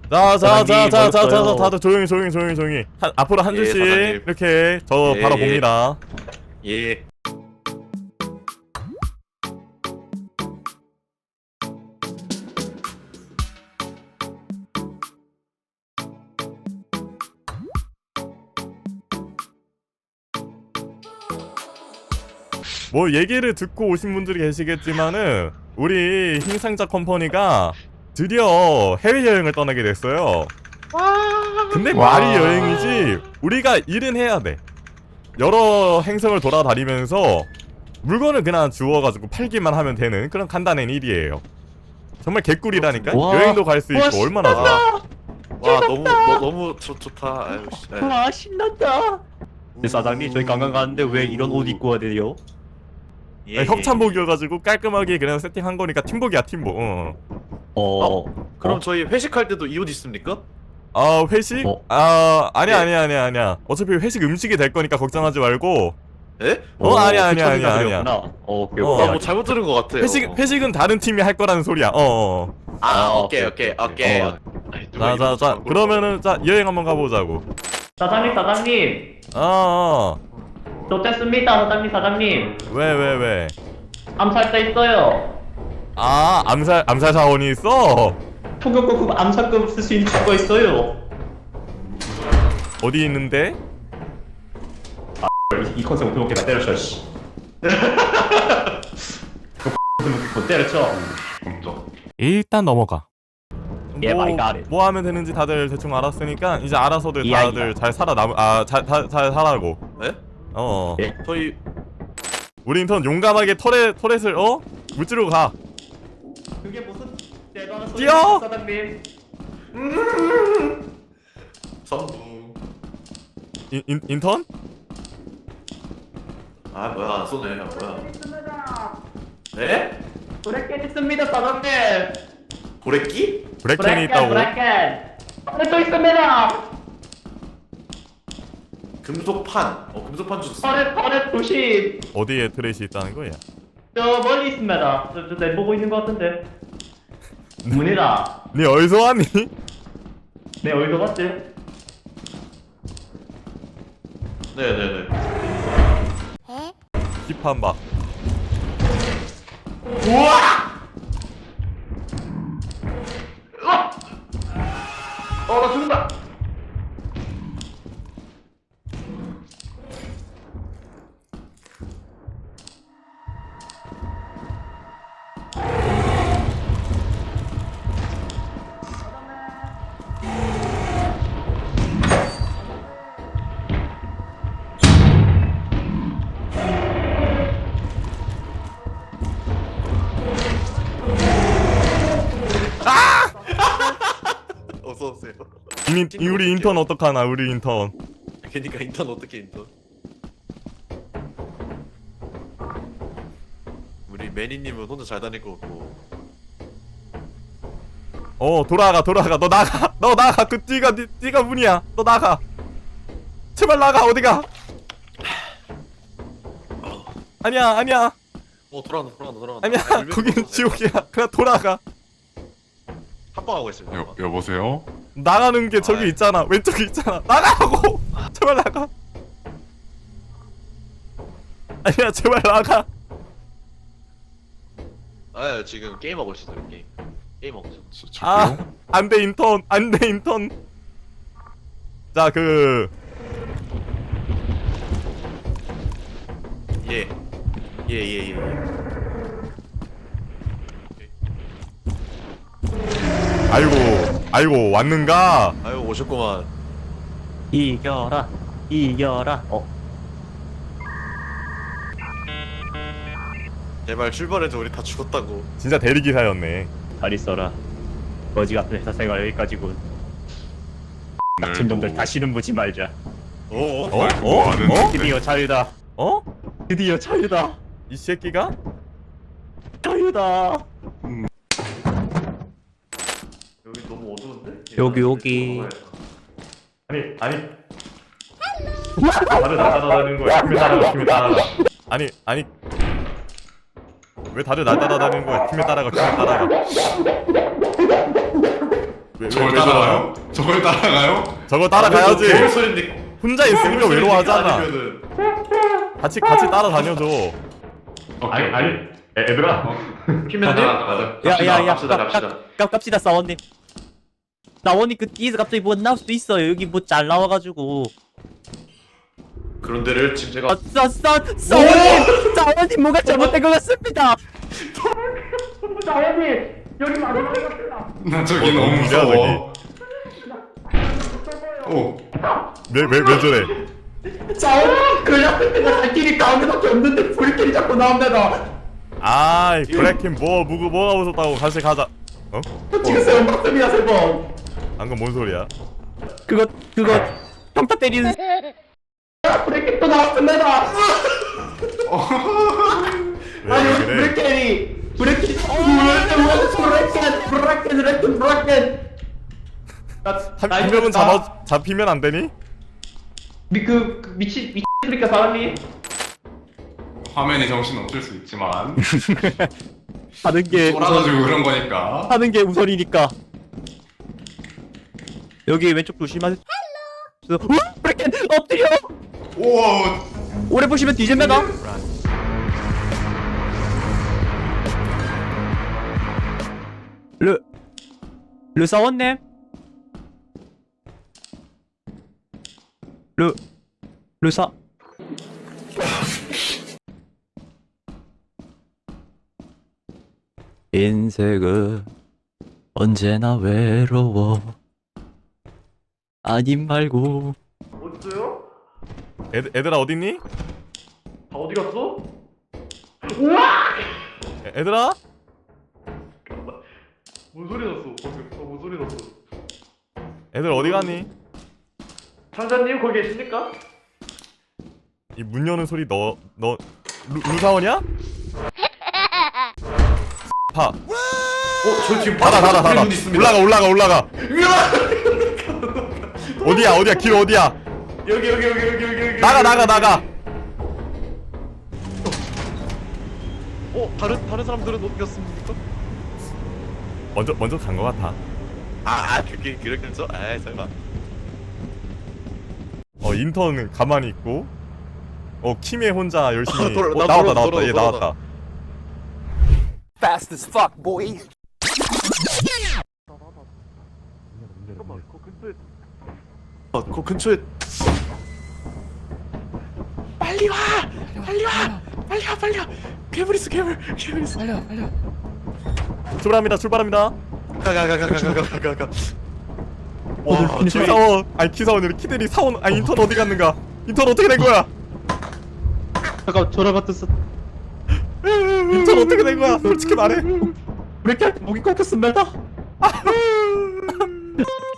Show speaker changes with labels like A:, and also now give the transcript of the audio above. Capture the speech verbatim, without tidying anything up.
A: 자, 자, 자, 자, 자, 자, 자,
B: 어딨어요?
A: 다들 조용히, 조용히, 조용히, 조용히. 한, 앞으로 한
C: 예,
A: 줄씩
C: 사장님.
A: 이렇게 저
C: 예,
A: 바로
C: 예.
A: 봅니다.
C: 예.
A: 뭐 얘기를 듣고 오신 분들이 계시겠지만은 우리 흰상자 컴퍼니가 드디어 해외여행을 떠나게 됐어요. 근데
B: 와.
A: 말이 여행이지 우리가 일은 해야 돼. 여러 행성을 돌아다니면서 물건을 그냥 주워가지고 팔기만 하면 되는 그런 간단한 일이에요. 정말 개꿀이라니까.
B: 와.
A: 여행도 갈 수 있고
B: 와,
A: 얼마나 좋아.
C: 와, 와 너무 너, 너무 좋, 좋다. 아유, 씨. 아유.
B: 와 신난다. 네, 사장님 저희 관광 가는데 왜 이런 옷 입고 와야 돼요?
C: 예,
A: 협찬복이어가지고 깔끔하게 그냥 세팅한 거니까 팀복이야 팀복. 어.
B: 어.
C: 그럼
B: 어?
C: 저희 회식할 때도 이 옷 입습니까?
A: 아 회식?
B: 어?
A: 아 아니야
C: 네.
A: 아니야 아니야 아니야. 어차피 회식 음식이 될 거니까 걱정하지 말고.
C: 예?
A: 어, 아니야, 아니야,
B: 그
A: 아니야,
B: 처리가
A: 아니야.
B: 그랬구나. 어, 오케이,
A: 어.
B: 오케이.
C: 아, 뭐 잘못 들은 것 같아요.
A: 회식 회식은 다른 팀이 할 거라는 소리야. 어. 어.
C: 아,
B: 아,
C: 오케이,
B: 오케이,
C: 오케이, 오케이.
B: 어.
C: 아이, 누가
A: 자, 자,
C: 이런
A: 자.
C: 거
A: 그러면은 자 여행 한번 가보자고.
D: 사장님 사장님
A: 어. 어.
D: 좋겠습니다 사장님 사장님
A: 왜 왜 왜?
D: 암살자 있어요
A: 아 암살 암살 사원이 있어.
D: 초급급 암살급 쓸 수 있는 거 있어요
A: 어디 있는데?
D: 이 컨셉 어떻게 먹게 다 때려쳐 씨 못 때려쳐
A: 일단 넘어가.
B: Yeah,
A: 뭐,
B: I got it.
A: 뭐 하면 되는지 다들 대충 알았으니까 이제 알아서들
B: 이야,
A: 다들
B: 이야.
A: 잘 살아남 아잘 잘 잘 살아고.
C: 네?
A: 어.
B: 예.
C: 저희
A: 우리 인턴 용감하게 터렛 터렛을 어 물지로 가.
D: 그게 무슨 대단한
A: 뛰어!
D: 소리야 사장님
C: 선부.
A: 인, 인 인턴?
C: 아 뭐야 안 쏘네. 아, 뭐야? 네?
D: 브레켓 있습니다 사장님
C: 고래끼?
A: 브레켄이 있다고.
D: 브레켓 브레켓 있습니다
C: 금속판. 어 금속판 줬어.
D: 터렛 터렛 조심
A: 어디에 트렛이 있다는 거야?
D: 저 멀리 있습니다 저, 저 내보고 있는 거 같은데 문이다
A: 네 어디서 왔니?
D: 네 어디서 봤지?
C: 네네네.
A: 힙한 박.
C: 어나 죽는다. 어서 오세요.
A: 인, 이 우리 인턴 어떡하나 우리 인턴.
C: 그니까 인턴 어떻게 인턴? 우리 매니님은 혼자 잘 다닐 것 같고.
A: 어 돌아가 돌아가 너 나가 너 나가 그 띠가 띠, 띠가 문이야 너 나가 제발 나가 어디가 아니야 아니야
C: 어 돌아간다 돌아간다 돌아간다.
A: 아니야
C: 아, 물밀고
A: 거긴
C: 있었네.
A: 지옥이야 그냥 돌아가
C: 합방하고 있습니다.
E: 여, 여보세요?
A: 나가는 게 저기
C: 아이.
A: 있잖아 왼쪽에 있잖아 나가라고 제발 나가 아니야 제발 나가
C: 아 지금 게임 하고 있어요 게임. 게임 하고 있어.
E: 저,
A: 아
E: 저기요?
A: 안돼 인턴 안돼 인턴 자 그
C: 예. 예, 예, 예.
A: 아이고 아이고 왔는가
C: 아유, 오셨구만.
B: 이겨라, 이겨라. 어,
C: 제발 출발해서 우리 다 죽었다고.
A: 진짜 대리기사였네
B: 잘 있어라. 거지 같은 회사 생활 여기까지군. 같은 놈들 다시는 보지 말자.
C: 어?
A: 어?
E: 뭐
A: 어?
E: 하는데?
A: 어?
B: 드디어 자유다.
A: 어?
B: 드디어 자유다.
A: 이 새끼가?
B: 자유다.
C: 여기 너무 어두운데?
B: 여기, 여기.
A: 아니 아니 다들 날따라다니는 거야 팀에 따라가 팀에 따라가 아니 아니 왜 다들 날 따라다니는 거야 팀에 따라가 팀에 따라가 왜, 왜,
C: 저걸
A: 왜 저러나?
C: 따라가요? 저걸 따라가요?
A: 저거 따라가야지.
C: 개울 소리인데
A: 혼자 있으니까 외로워하잖아.
C: 아니면은
A: 같이 같이 따라다녀줘.
D: 아니
C: 오케이.
D: 아니 애- 얘들아
C: 피면 따라가.
E: 야야야
C: 갑시다 갑시다.
E: 갑시다 사원님. 사원님 그 뒤에서 갑자기 뭐 나올 수도 있어요. 여기 뭐 잘 나와가지고.
C: 그런 데를 지금 제가
E: 아, 사, 사, 사원님! 사원님 뭐가 잘못된 것 같습니다!
D: 사원님 여기 마지막 같다.
C: 나 저기
A: 어,
C: 너무
A: 누구야,
C: 무서워. 오.
A: 왜 왜 왜 저래?
D: 사원님 그 옆에 내가 갈 길이 가운데밖에 없는데 불길이 자꾸 나옵니다.
A: 아이 브레이킹 뭐 무구 뭐가 무섭다고 같이 가자. 어?
D: 지금 세번 봤습니다 세 번.
A: 방금 뭔 소리야?
E: 그거, 그거, 평타 때리는.
D: 브레이크 또 나왔습니다.
A: 왜,
D: 아니
A: 왜
D: 여기
A: 그래?
D: 브레이크이 브레이크 브레이크 브레이크 브레이크 브레이크.
A: 한, 한 명은 잡아 잡히면 안 되니?
D: 미그 그 미친 미친 브레이크 사람이.
C: 화면이 정신 없을 수 있지만
E: 하는 게, 우선,
C: 쫄아가지고 그런 거니까.
E: 하는 게 우선이니까. 여기 왼쪽 조심하세요. 헬로! 브레이크! 엎드려!
C: 오.
E: 오래 보시면 뒤집니다. 르, 르 사원님? 르, 르사. 인생은 언제나 외로워. 아님 말고.
D: 어딨어요?
A: 애들 애들아 어딨니?
D: 다 어디 갔어? 우와!
A: 애, 애들아?
D: 뭔 소리 났어? 방금 어, 뭔 소리 났어?
A: 애들 어디 갔니?
D: 상사님 거기 계십니까?
A: 이 문 여는 소리 너 너 루사원이야? 파
C: 어, 저 지금
A: 닫아 닫아 닫아
C: 문 있습니다.
A: 올라가 올라가 올라가 어디야 어디야 길 어디야
D: 여기 여기 여기 여기 여기 여기.
A: 나가 나가 나가
F: 어? 다른 다른 사람들은 어디 갔습니까?
A: 먼저 먼저 간 거 같아
F: 아, 아 그게 그렇겠어? 아 설마.
A: 어 인턴은 가만히 있고 어 키메 혼자 열심히
F: 아, 돌아-
A: 어,
F: 나
A: 나왔다
F: 돌아-
A: 나왔다
F: 돌아-
A: 얘
F: 돌아-
A: 나왔다
G: Fast as fuck, boy.
F: 잠깐만 그 근처에 아그 근처에 빨리 와! 빨리 와! 빨리 와 빨리 와! 괴물 있어 괴물! 괴물 있어 빨리 와 빨리 와
A: 출발합니다 출발합니다
F: 가가가가가가가가 와
A: 키사원 아니 키사원이 키들이 사원 아니 인턴 어디 갔는가 인턴 어떻게 된 거야
E: 잠깐 전화 받았어.
A: 인턴 어떻게 된 거야 솔직히 말해
E: 브레이크 목이 꺾였습니다.